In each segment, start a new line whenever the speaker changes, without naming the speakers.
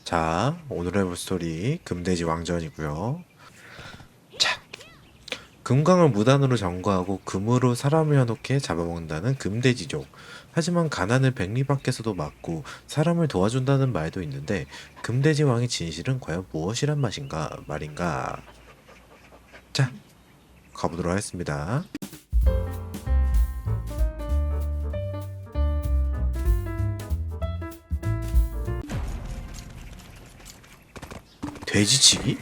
자, 오늘 해볼 스토리 금돼지 왕전이고요. 자, 금광을 무단으로 점거하고 금으로 사람을 현혹해 잡아먹는다는 금돼지족. 하지만 가난을 백리 밖에서도 막고 사람을 도와준다는 말도 있는데 금돼지 왕의 진실은 과연 무엇이란 말인가? 자, 가보도록 하겠습니다. 돼지치기?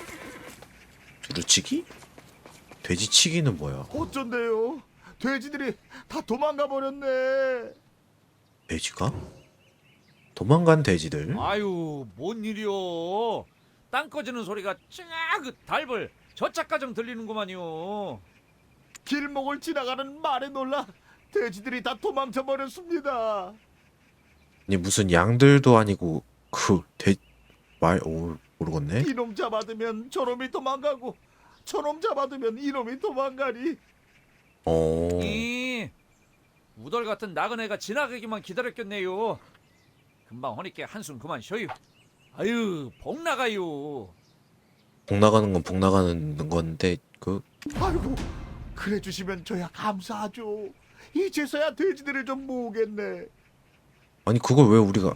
두루치기? 돼지치기는 뭐야?
어쩐데요? 돼지들이 다 도망가 버렸네.
돼지가? 도망간 돼지들?
아유, 뭔 일이요? 땅 꺼지는 소리가 찡하그 달벌 저짝가정 들리는구만요.
길목을 지나가는 말에 놀라 돼지들이 다 도망쳐 버렸습니다.
아니 무슨 양들도 아니고 모르겠네.
이놈 잡아두면 저놈이 도망가고 저놈 잡아두면 이놈이 도망가니.
어,
우덜 같은 나그네가 지나가기만 기다렸겠네요. 금방 허니께 한숨 그만 쉬어요. 아유, 복 나가요.
복 나가는 건 복 나가는 건데
아이고, 그래 주시면 저야 감사하죠. 이제서야 돼지들을 좀 모으겠네.
아니 그걸 왜 우리가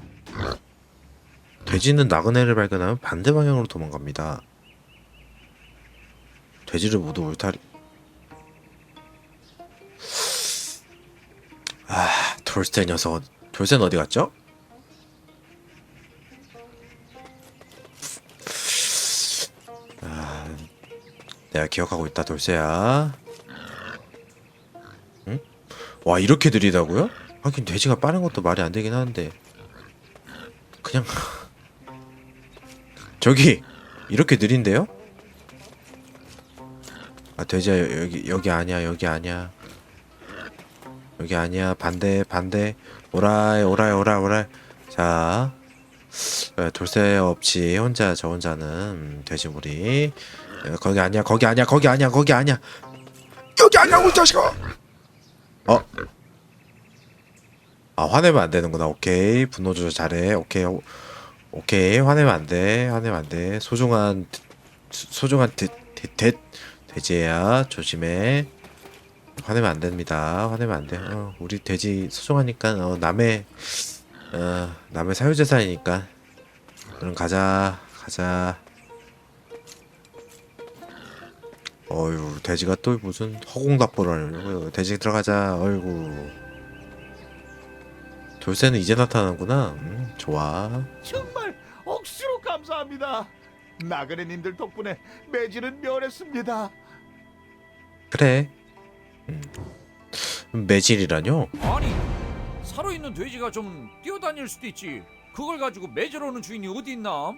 돼지는 나그네를 발견하면 반대 방향으로 도망갑니다. 돼지를 모두 울타리. 돌쇠 녀석. 돌쇠는 어디 갔죠? 내가 기억하고 있다, 돌쇠야. 응? 와, 이렇게 느리다고요? 하긴 돼지가 빠른 것도 말이 안 되긴 하는데 그냥 저기 이렇게 느린데요? 아, 돼지야, 여기 아니야, 여기 아니야, 여기 아니야. 반대 오라이. 자, 돌쇠 없이 저 혼자는 돼지무리. 거기 아니야, 여기 아니야고 이 자식아. 화내면 안 되는구나. 오케이, 분노 조절 잘해. 오케이, 화내면 안 돼. 소중한 돼지야, 조심해. 화내면 안 됩니다. 화내면 안 돼. 우리 돼지 소중하니까, 남의 사유재산이니까. 그럼 가자. 어휴, 돼지가 또 무슨 허공답보를 하려고. 돼지 들어가자. 어이구. 돌쇠는 이제 나타나는구나. 좋아.
정말 억수로 감사합니다. 나그네님들 덕분에 매질은 멸했습니다.
그래. 매질이라뇨?
아니, 살아있는 돼지가 좀 뛰어다닐 수도 있지. 그걸 가지고 매질하는 주인이 어디 있나?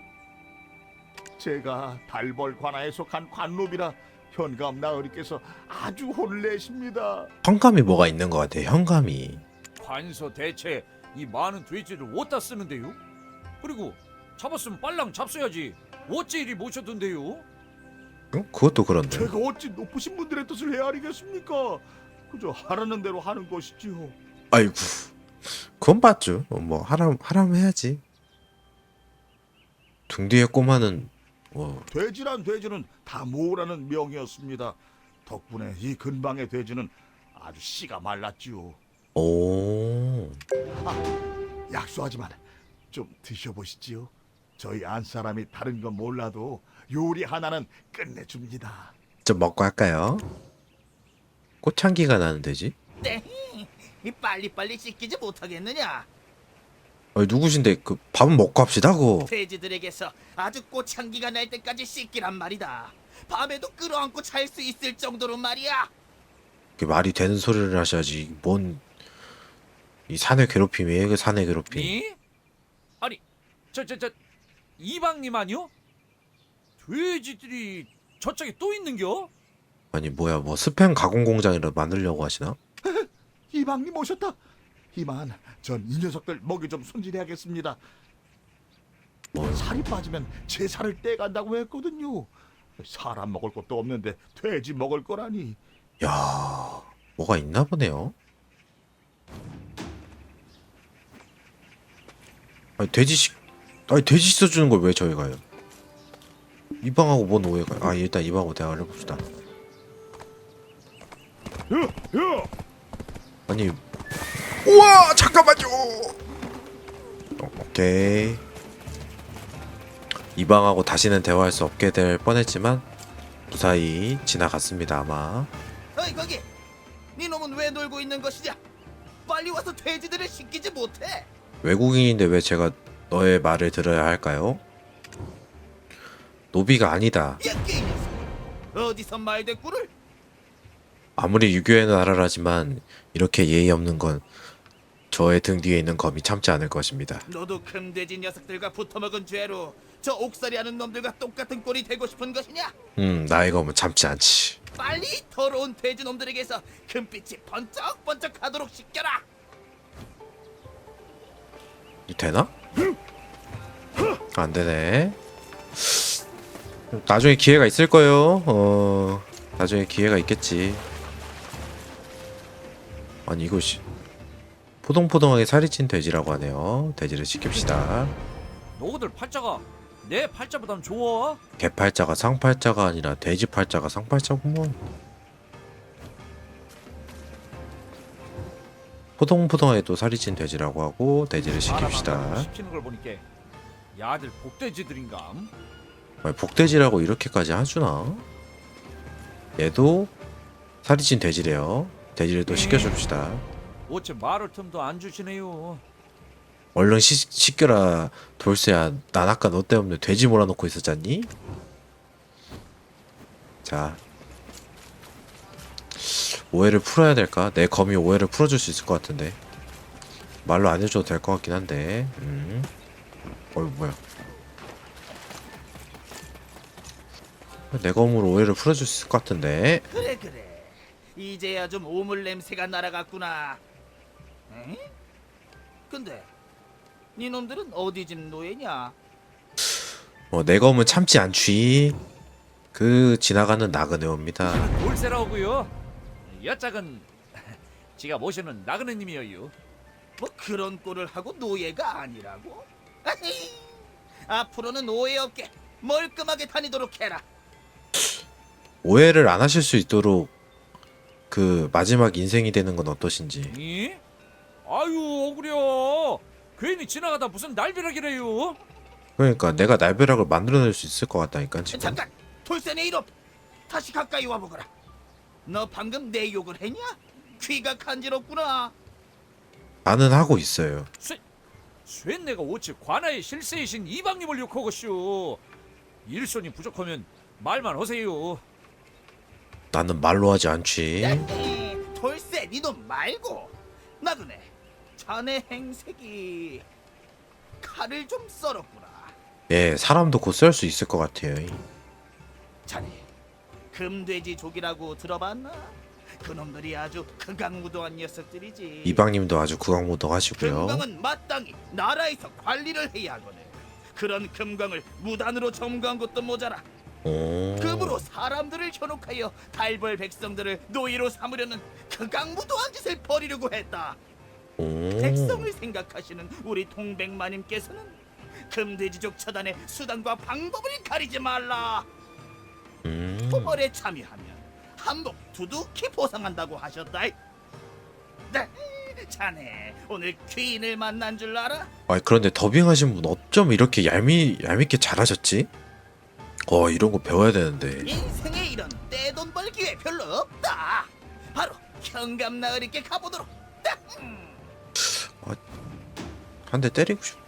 제가 달벌 관아에 속한 관노비라 현감 나으리께서 아주 혼을 내십니다.
현감이 뭐가 있는 것 같아. 현감이.
관서 대체 이 많은 돼지를 어디다 쓰는데요? 그리고 잡았으면 빨랑 잡숴야지. 어째 이리 모셨던데요?
응? 그것도 그런데.
제가 어찌 높으신 분들의 뜻을 헤아리겠습니까? 그저 하라는 대로 하는 것이지요.
아이고. 그건 맞죠. 뭐 하라면 해야지. 등 뒤에 꼬마는
돼지란 돼지는 다 모으라는 명이었습니다. 덕분에 이 근방의 돼지는 아주 씨가 말랐지요.
오.
약소하지만 좀 드셔보시지요. 저희 안 사람이 다른 건 몰라도 요리 하나는 끝내줍니다.
좀 먹고 할까요? 꽃향기가 나는 돼지?
네, 빨리빨리 씻기지 못하겠느냐?
누구신데 밥은 먹고 합시다.
돼지들에게서 아주 꽃향기가 날 때까지 씻기란 말이다. 밤에도 끌어안고 잘 수 있을 정도로 말이야.
그게 말이 되는 소리를 하셔야지. 뭔 이 사내 괴롭힘이에요? 그 사내 괴롭힘.
이? 아니, 저 이방님 아니요? 돼지들이 저쪽에 또 있는겨?
아니 뭐야, 뭐 스팸 가공 공장이라 만들려고 하시나?
이방님 오셨다. 이만 전 이 녀석들 먹이 좀 손질해야겠습니다. 살이 빠지면 제 살을 떼간다고 했거든요. 사람 먹을 것도 없는데 돼지 먹을 거라니.
야, 뭐가 있나 보네요. 아니, 돼지식 아니 돼지 씻어주는 걸 왜 저희 가요? 이방하고 뭔 오해가? 아 일단 이방하고 대화를 해봅시다.
야!
아니 우와 잠깐만요. 오케이. 이방하고 다시는 대화할 수 없게 될 뻔했지만 무사히 지나갔습니다 아마.
어이 거기! 네 놈은 왜 놀고 있는 것이냐? 빨리 와서 돼지들을 시키지 못해?
외국인인데 왜 제가 너의 말을 들어야 할까요? 노비가 아니다.
야 게임 녀석! 어디서 말대꾸를?
아무리 유교의 나라라지만 이렇게 예의 없는 건 저의 등 뒤에 있는 검이 참지 않을 것입니다.
너도 금돼지 녀석들과 붙어먹은 죄로 저 옥살이하는 놈들과 똑같은 꼴이 되고 싶은 것이냐?
나의 검은 참지 않지.
빨리 더러운 돼지 놈들에게서 금빛이 번쩍번쩍하도록 시켜라!
이 되나? 안 되네. 나중에 기회가 있을 거예요. 나중에 기회가 있겠지. 아니 이것이 포동포동하게 살이 찐 돼지라고 하네요. 돼지를 시킵시다.
너희들 팔자가 내 팔자보단 좋아?
개팔자가 상팔자가 아니라 돼지 팔자가 상팔자구먼. 포동포동하게 또 살이 찐 돼지라고 하고 돼지를 시킵시다.
시키는 걸 보니까 야들 복돼지들인감.
아니, 복돼지라고 이렇게까지 하주나? 얘도 살이 찐 돼지래요. 돼지를 또 시켜줍시다.
어째 말할 틈도 안 주시네요.
얼른 시켜라 돌쇠야. 난 아까 너 때문에 돼지 몰아놓고 있었잖니? 자 오해를 풀어야 될까? 내 검이 오해를 풀어줄 수 있을 것 같은데 말로 안 해줘도 될 것 같긴 한데 뭐야 내 검으로 오해를 풀어줄 수 있을 것 같은데
그래 이제야 좀 오물 냄새가 날아갔구나. 응? 근데 네 놈들은 어디 집 노예냐?
내 검은 참지 않지. 그 지나가는 나그네옵니다.
돌쇠라고요. 여짝은 지가 모시는 나그네님이여요.
뭐 그런 꼴을 하고 노예가 아니라고? 아히, 앞으로는 오해 없게 멀끔하게 다니도록 해라.
오해를 안 하실 수 있도록 그 마지막 인생이 되는 건 어떠신지.
이? 아유 억울해요. 괜히 지나가다 무슨 날벼락이래요.
그러니까 내가 날벼락을 만들어낼 수 있을 것 같다니까 지금.
잠깐! 돌쇠네 이놈! 다시 가까이 와보거라. 너 방금 내 욕을 했냐? 귀가 간지럽구나.
나는 하고 있어요.
쇠 내가 어찌 관아의 실세이신 이방님을 욕하고쇼. 일손이 부족하면 말만 하세요.
나는 말로 하지 않지.
야히, 돌쇠 니놈 말고 나그네 자네 행색이 칼을 좀 썰었구나.
예, 사람도 곧 썰 수 있을 것 같아요.
자네 금돼지족이라고 들어봤나? 그놈들이 아주 극악무도한 녀석들이지.
이방님도 아주 구강무동하시고요.
금광은 마땅히 나라에서 관리를 해야 하거든. 그런 금광을 무단으로 점거한 것도 모자라
오.
금으로 사람들을 현혹하여 달벌 백성들을 노예로 삼으려는 극악무도한 짓을 벌이려고 했다.
오.
백성을 생각하시는 우리 동백마님께서는 금돼지족 처단의 수단과 방법을 가리지 말라. 토벌에 참여하면 한복 두둑히 보상한다고 하셨다. 네, 자네 오늘 귀인을 만난 줄 알아?
아니 그런데 더빙하신 분 어쩜 이렇게 얄밉게 잘하셨지? 이런 거 배워야 되는데.
인생에 이런 떼돈 벌 기회 별로 없다. 바로 현감나으리께 가보도록.
한 대 때리고 싶.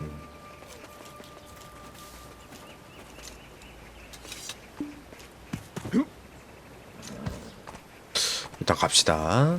일단 갑시다.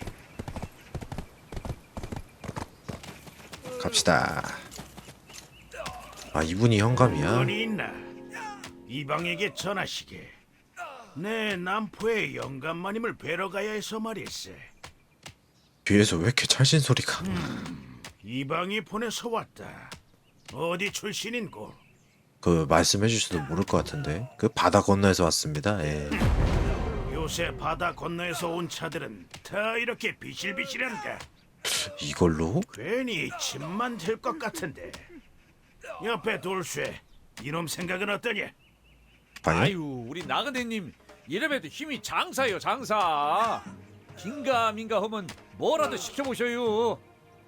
이분이 현감이야.
어디 있나? 이방에게 전하시게. 내 남포의 영감마님을 뵈러 가야 해서 말일세.
뒤에서 왜 이렇게 찰진 소리가?
이방이 보내서 왔다. 어디 출신인고?
그 말씀해 주셔도 모를 것 같은데. 그 바다 건너에서 왔습니다. 예.
요새 바다 건너에서 온 차들은 다 이렇게 비실비실한가?
이걸로?
괜히 짐만 될 것 같은데. 옆에 돌쇠, 이놈 생각은 어떠냐?
아니
아유, 우리 나그네님 이래봬도 힘이 장사요, 장사. 긴가민가 하면 뭐라도 시켜보셔요.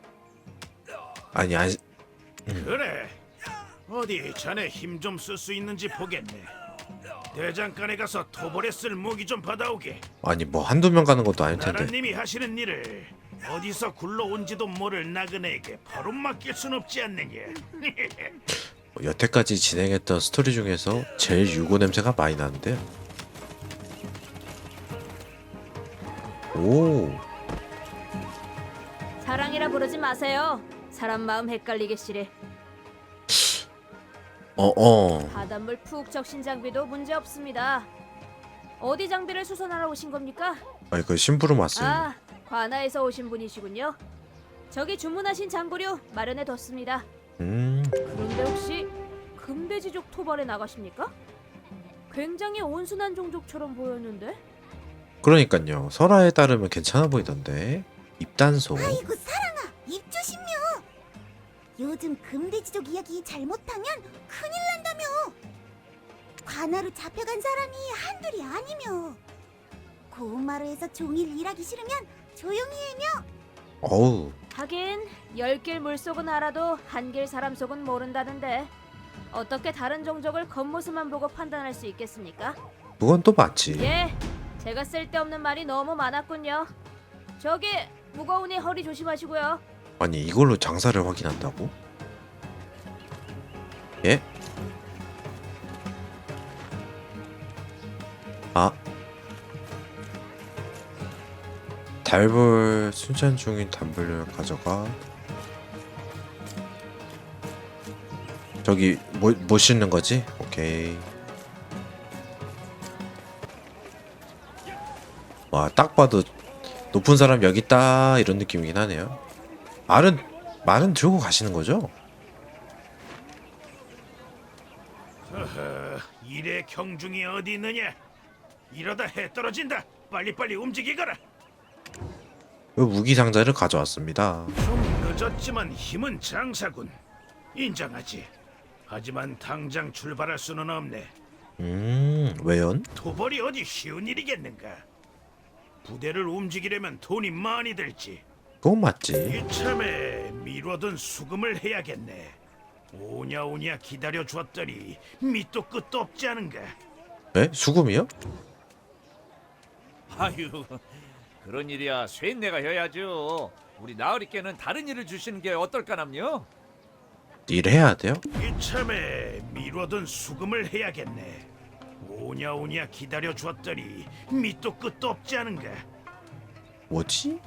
아니 아니
그래. 어디 자네 힘 좀 쓸 수 있는지 보겠네. 대장간에 가서 토벌에 쓸 무기 좀 받아오게.
아니 뭐 한두 명 가는 것도 아닐 텐데.
나라님이 하시는 일을 어디서 굴러온지도 모를 나그네에게 바로 맡길 순 없지 않느냐.
여태까지 진행했던 스토리 중에서 제일 유고 냄새가 많이 나는데요. 오,
사랑이라 부르지 마세요. 사람 마음 헷갈리게 시래. 바닷물 푹 적신 장비도 문제 없습니다. 어디 장비를 수선하러 오신 겁니까?
아니 그 심부름 왔어요.
아, 관아에서 오신 분이시군요. 저기 주문하신 장구류 마련해 뒀습니다. 그런데 혹시 금돼지족 토벌에 나가십니까? 굉장히 온순한 종족처럼 보였는데.
그러니까요. 설화에 따르면 괜찮아 보이던데. 입단소.
아이고 사랑아, 입 조심요. 요즘 금돼지족 이야기 잘못하면 큰일 난다며. 관아로 잡혀간 사람이 한둘이 아니며. 고운마루에서 종일 일하기 싫으면 조용히 해며.
어우,
하긴 10길 물속은 알아도 한길 사람 속은 모른다는데 어떻게 다른 종족을 겉모습만 보고 판단할 수 있겠습니까?
그건 또 맞지.
예, 제가 쓸데없는 말이 너무 많았군요. 저기 무거우니 허리 조심하시고요.
아니 이걸로 장사를 확인한다고? 예? 아, 달벌 순찬 중인 단벌을 가져가. 저기 뭐 씻는 거지? 오케이. 와, 딱 봐도 높은 사람 여기 있다 이런 느낌이긴 하네요. 말은 들고 가시는 거죠?
일의 경중이 어디 있느냐? 이러다 해 떨어진다. 빨리빨리 움직이거라.
그 무기 상자를 가져왔습니다.
좀 늦었지만 힘은 장사군. 인정하지. 하지만 당장 출발할 수는 없네.
왜연?
토벌이 어디 쉬운 일이겠는가? 부대를 움직이려면 돈이 많이 들지.
그건 맞지.
이참에 미뤄둔 수금을 해야겠네. 오냐오냐 기다려 줬더니 밑도 끝도 없지 않은가?
에? 수금이요?
아유, 그런 일이야 쇠내가 해야죠. 우리 나으리께는 다른 일을 주시는 게 어떨까남요?
일해야 돼요?
이참에 미뤄둔 수금을 해야겠네. 오냐오냐 기다려 줬더니 밑도 끝도 없지 않은가?
뭐지?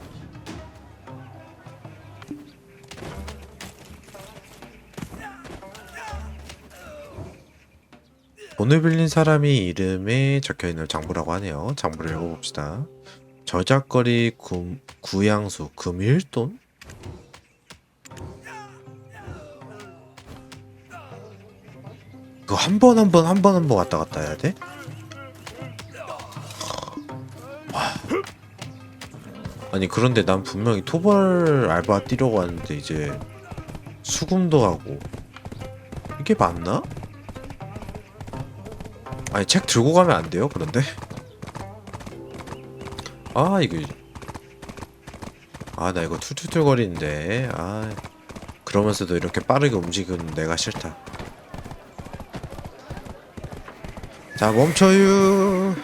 돈을 빌린 사람이 이름에 적혀있는 장부라고 하네요. 장부를 읽어봅시다. 저작거리 구양수 금일돈? 그거 한 번 왔다 갔다 해야 돼? 와. 아니 그런데 난 분명히 토벌 알바 뛰려고 하는데 이제 수금도 하고 이게 맞나? 아니 책 들고 가면 안 돼요? 그런데? 아 나 이거 툴툴툴거리는데 그러면서도 이렇게 빠르게 움직이는 내가 싫다. 자 멈춰요.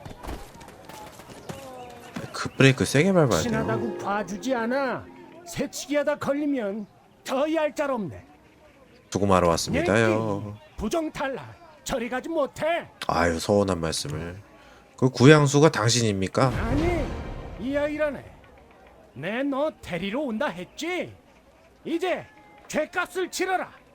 급브레이크 세게 밟아야 돼요.
친하다고 봐주지 않아. 새치기하다 걸리면 더 얄짤없네.
수금하러 왔습니다요.
부정 탈락. 저리 가지 못해.
아유 서운한 말씀을. 그 구양수가 당신입니까?
아니 이 아이라네. 내 너 데리러 온다 했지. 이제 죄값을 치러라.